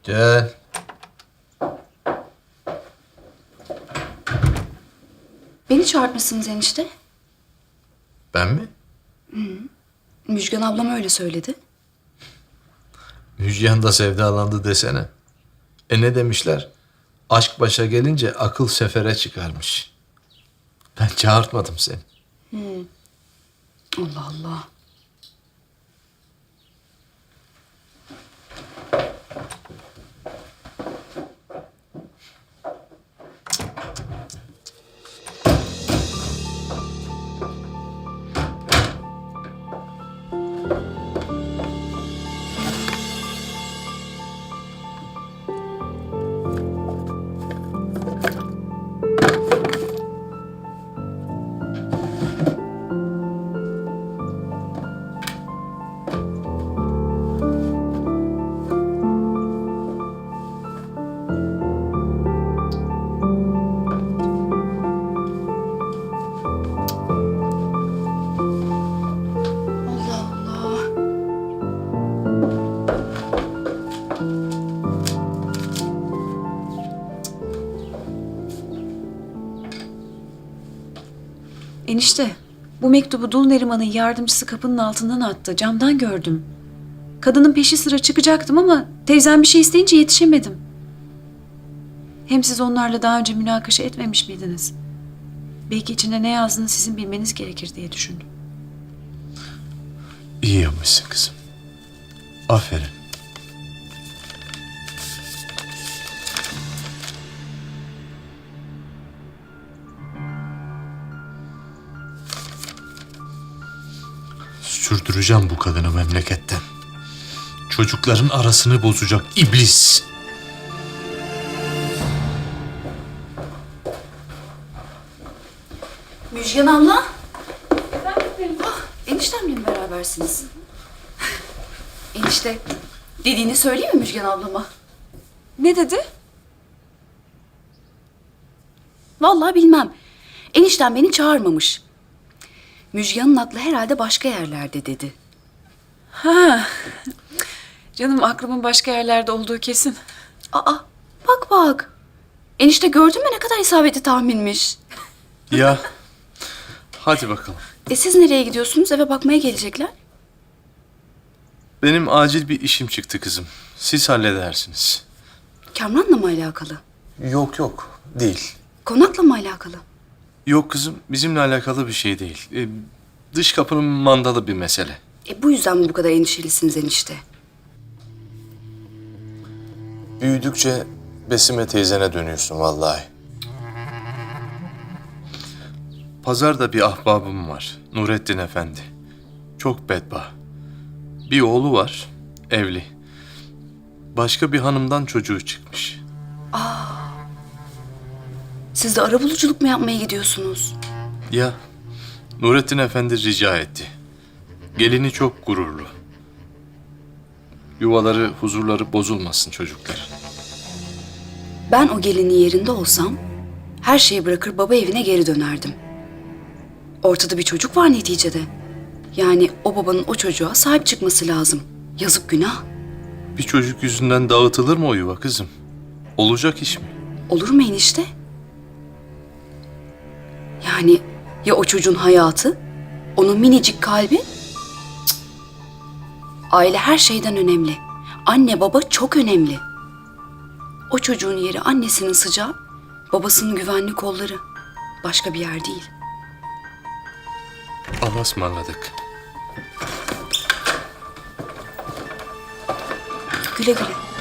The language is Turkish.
Gel. Beni çağırtmışsınız enişte. Ben mi? Müjgan ablam öyle söyledi. Müjgan da sevdalandı desene. Ne demişler? Aşk başa gelince akıl sefere çıkarmış. Ben çağırtmadım seni. Allah Allah. Allah Allah. Enişte, bu mektubu Dul Neriman'ın yardımcısı kapının altından attı. Camdan gördüm. Kadının peşi sıra çıkacaktım ama teyzem bir şey isteyince yetişemedim. Hem siz onlarla daha önce münakaşa etmemiş miydiniz? Belki içinde ne yazdığını sizin bilmeniz gerekir diye düşündüm. İyi yapmışsın kızım. Aferin. Sürdüreceğim bu kadını memleketten. Çocukların arasını bozacak iblis. Müjgan abla. Eniştemle mi berabersiniz? Enişte, dediğini söyleyeyim mi Müjgan ablama? Ne dedi? Vallahi bilmem. Eniştem beni çağırmamış. Müjgan'ın aklı herhalde başka yerlerde dedi. Ha. Canım aklımın başka yerlerde olduğu kesin. Aa, bak bak. Enişte gördün mü ne kadar isabetli tahminmiş. Ya. Hadi bakalım. Siz nereye gidiyorsunuz? Eve bakmaya gelecekler. Benim acil bir işim çıktı kızım. Siz halledersiniz. Kamran'la mı alakalı? Yok değil. Konakla mı alakalı? Yok kızım bizimle alakalı bir şey değil. Dış kapının mandalı bir mesele. Bu yüzden mi bu kadar endişelisiniz enişte? Büyüdükçe Besime teyzene dönüyorsun vallahi. Pazarda bir ahbabım var. Nurettin Efendi. Çok bedbaht. Bir oğlu var, evli. Başka bir hanımdan çocuğu çıkmış. Siz de arabuluculuk mu yapmaya gidiyorsunuz? Ya, Nurettin Efendi rica etti. Gelini çok gururlu. Yuvaları, huzurları bozulmasın çocuklar. Ben o gelinin yerinde olsam her şeyi bırakır baba evine geri dönerdim. Ortada bir çocuk var neticede. Yani o babanın o çocuğa sahip çıkması lazım. Yazık günah. Bir çocuk yüzünden dağıtılır mı o yuva kızım? Olacak iş mi? Olur mu enişte? Yani ya o çocuğun hayatı, onun minicik kalbi? Cık. Aile her şeyden önemli. Anne baba çok önemli. O çocuğun yeri annesinin sıcağı, babasının güvenli kolları. Başka bir yer değil. Allah'a ısmarladık. Güle güle.